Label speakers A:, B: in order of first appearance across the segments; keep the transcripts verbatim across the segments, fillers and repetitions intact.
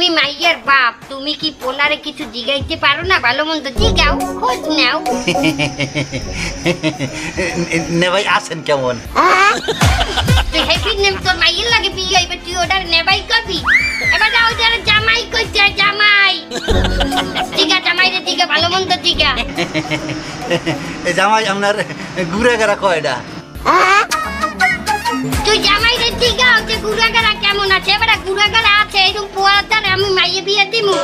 A: তুমি মাইয়ের বাপ, তুমি কি পোলারে কিছু জিগাইতে পারো না? ভালো মন্দ জিগাও, খোঁজ নাও।
B: নেভাই আছেন কেমন?
A: তুই হ্যাপি নেম তোর মাইয়ের লাগে বিয়ে হইবে, তুই ওটার নেবাই করবি? এবার যাও যারা জামাই কইছে, জামাই জিগা, জামাই রে জিগা, ভালো মন্দ জিগা।
B: জামাই আপনার ঘুরে গেরা কয়টা?
A: তুই জামাই রে জিগা যে গুড়াগাড়া কেমন আছে? এবার গুড়াগাড়া আছে, এরকম পোয়ার দ্বারা আমি মাইয়ে বিয়ে দিমু।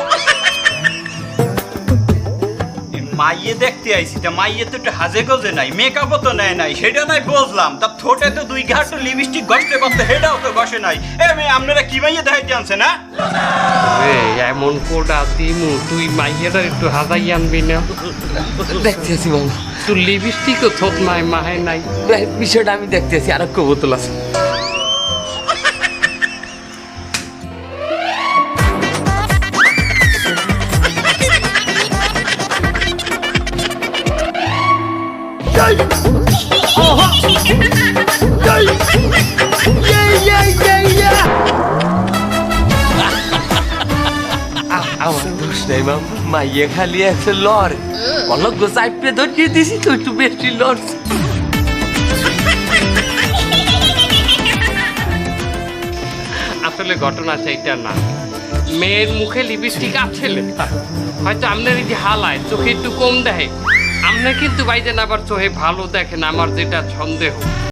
C: মাইয়ে দেখতে আইছি, তা মাইয়ে তো একটু হাজে গজে নাই, মেকআপও তো নেয় নাই, সেটা নাই বুঝলাম। তা ঠোঁটে তো দুই ঘাট লিপস্টিক ঘষতে করতে, সেটাও তো ঘষে নাই। এ মেয়ে, আপনারা কি মাইয়ে দেখাইতে আনছে না?
D: এমন কোডা দিমু, তুই মাইয়েরা একটু হাজাই আনবি না?
E: দেখতেছি মামা,
D: তুই লিপস্টিকও থোত নাই, মাহে নাই।
E: বিষয়টা আমি দেখতেছি। আর এক বোতল আছে। আমার দোষ নেই মামা, মাইয়ে খালি আছে লড়, অলগ চাইপে ধরিয়ে দিছি তো একটু বেশি লড়।
D: আসলে ঘটনা সেইটা না, মেয়ের মুখে লিপস্টিক আছে লেখা, হয়তো আপনার এই যে হালায় চোখে একটু কম দেখে, আপনি কিন্তু বাইজেন আবার চোখে ভালো দেখেন, আমার যেটা সন্দেহ।